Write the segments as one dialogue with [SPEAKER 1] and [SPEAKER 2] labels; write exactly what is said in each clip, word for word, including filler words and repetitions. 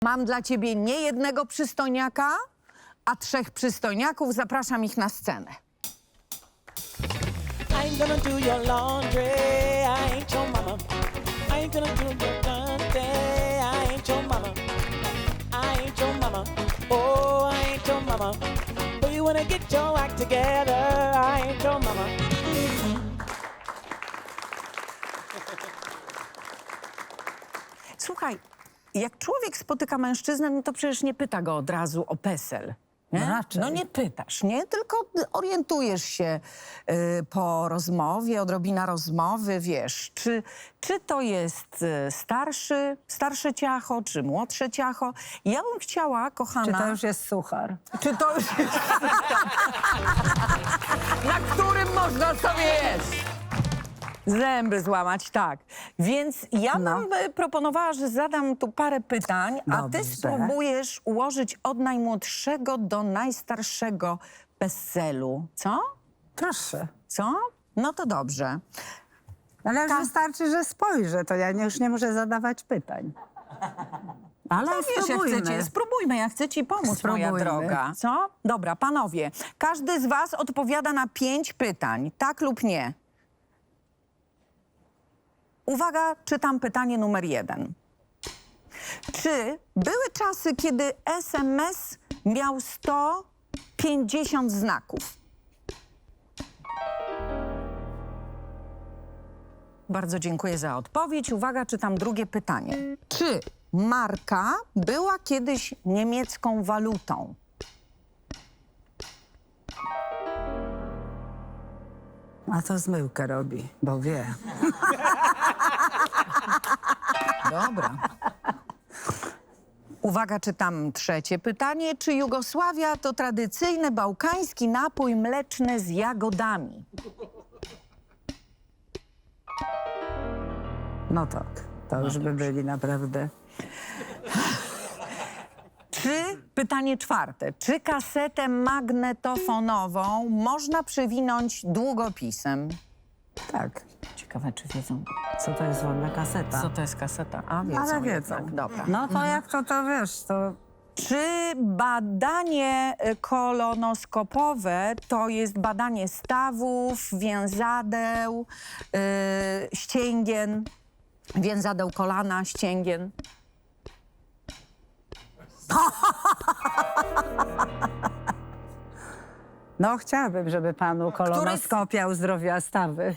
[SPEAKER 1] Mam dla ciebie nie jednego przystojniaka, a trzech przystojniaków. Zapraszam ich na scenę.
[SPEAKER 2] I ain't gonna do your laundry, I ain't your mama. I ain't gonna do your laundry, I ain't your mama. I ain't your mama, oh, I ain't your mama. But you wanna get your act together, I ain't your mama.
[SPEAKER 1] Słuchaj, jak człowiek spotyka mężczyznę, no to przecież nie pyta go od razu o PESEL. Nie?
[SPEAKER 3] No raczej.
[SPEAKER 1] No nie pytasz, nie? Tylko orientujesz się y, po rozmowie, odrobina rozmowy, wiesz, czy, czy to jest y, starszy, starsze ciacho, czy młodsze ciacho. Ja bym chciała, kochana...
[SPEAKER 3] Czy to już jest suchar?
[SPEAKER 1] Czy to już jest... na którym można sobie jeść? Zęby złamać, tak. Więc ja
[SPEAKER 3] No.
[SPEAKER 1] bym y, proponowała, że zadam tu parę pytań, a ty
[SPEAKER 3] Dobrze.
[SPEAKER 1] spróbujesz ułożyć od najmłodszego do najstarszego PESEL-u. Co?
[SPEAKER 3] Proszę.
[SPEAKER 1] Co? No to dobrze.
[SPEAKER 3] Ale już
[SPEAKER 1] Ta-
[SPEAKER 3] wystarczy, że spojrzę, to ja nie, już nie muszę zadawać pytań. Ale
[SPEAKER 1] No wiesz, jak
[SPEAKER 3] spróbujmy.
[SPEAKER 1] chcecie, spróbujmy, ja chcę ci pomóc, moja
[SPEAKER 3] Spróbujmy.
[SPEAKER 1] droga. Co? Dobra, panowie, każdy z was odpowiada na pięć pytań, tak lub nie. Uwaga, czytam pytanie numer jeden. Czy były czasy, kiedy S M S miał sto pięćdziesiąt znaków? Bardzo dziękuję za odpowiedź. Uwaga, czytam drugie pytanie. Czy marka była kiedyś niemiecką walutą?
[SPEAKER 3] A to zmyłkę robi, bo wie.
[SPEAKER 1] Dobra. Uwaga, czytam trzecie pytanie. Czy Jugosławia to tradycyjny bałkański napój mleczny z jagodami?
[SPEAKER 3] No tak, to już by byli naprawdę.
[SPEAKER 1] Czy, pytanie czwarte, czy kasetę magnetofonową można przewinąć długopisem?
[SPEAKER 3] Tak.
[SPEAKER 1] Ciekawe, czy wiedzą,
[SPEAKER 3] Co to jest wolna kaseta?
[SPEAKER 1] co to jest kaseta. A, wiedzą,
[SPEAKER 3] Ale wiedzą.
[SPEAKER 1] jednak. Dobra.
[SPEAKER 3] No to jak to, to wiesz, to...
[SPEAKER 1] Czy badanie y, kolonoskopowe to jest badanie stawów, więzadeł, y, ścięgien, więzadeł kolana, ścięgien?
[SPEAKER 3] No chciałabym, żeby panu kolonoskopia uzdrowiła stawy.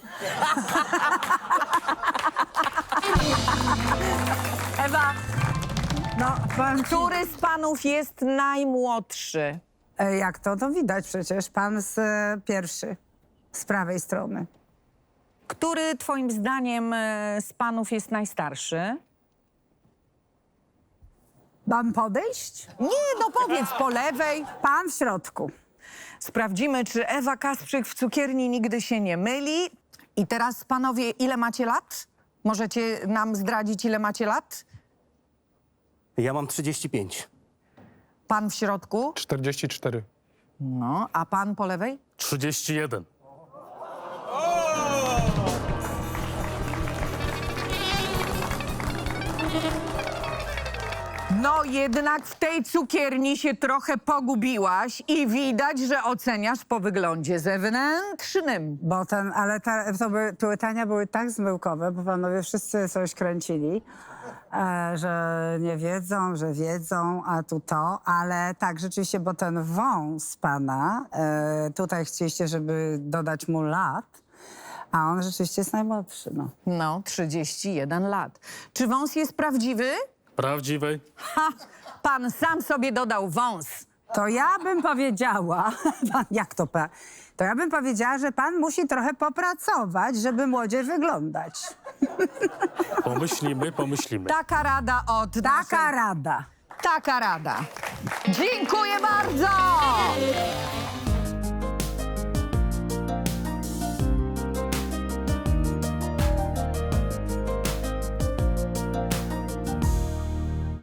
[SPEAKER 1] Ewa,
[SPEAKER 3] No, pan...
[SPEAKER 1] który z panów jest najmłodszy?
[SPEAKER 3] E, Jak to? To widać przecież. Pan z e, pierwszy, z prawej strony.
[SPEAKER 1] Który twoim zdaniem y, z panów jest najstarszy?
[SPEAKER 3] Mam podejść?
[SPEAKER 1] Nie, no powiedz po lewej.
[SPEAKER 3] Pan w środku.
[SPEAKER 1] Sprawdzimy, czy Ewa Kasprzyk w cukierni nigdy się nie myli. I teraz, panowie, ile macie lat? Możecie nam zdradzić, ile macie lat?
[SPEAKER 4] Ja mam trzydzieści pięć.
[SPEAKER 1] Pan w środku?
[SPEAKER 5] czterdzieści cztery.
[SPEAKER 1] No, a pan po lewej?
[SPEAKER 4] trzydzieści jeden.
[SPEAKER 1] No, jednak w tej cukierni się trochę pogubiłaś i widać, że oceniasz po wyglądzie zewnętrznym.
[SPEAKER 3] Bo ten, ale ta, to były, pytania były tak zmyłkowe, bo panowie wszyscy coś kręcili, e, że nie wiedzą, że wiedzą, a tu to. Ale tak, rzeczywiście, bo ten wąs pana, e, tutaj chcieliście, żeby dodać mu lat, a on rzeczywiście jest najmłodszy, no.
[SPEAKER 1] No, trzydzieści jeden lat. Czy wąs jest prawdziwy?
[SPEAKER 4] Prawdziwej?
[SPEAKER 1] Ha! Pan sam sobie dodał wąs.
[SPEAKER 3] To ja bym powiedziała, pan, jak to pan? To ja bym powiedziała, że pan musi trochę popracować, żeby młodziej wyglądać.
[SPEAKER 4] Pomyślimy, pomyślimy.
[SPEAKER 1] Taka rada od
[SPEAKER 3] Taka
[SPEAKER 1] naszej...
[SPEAKER 3] rada.
[SPEAKER 1] Taka rada. Dziękuję bardzo!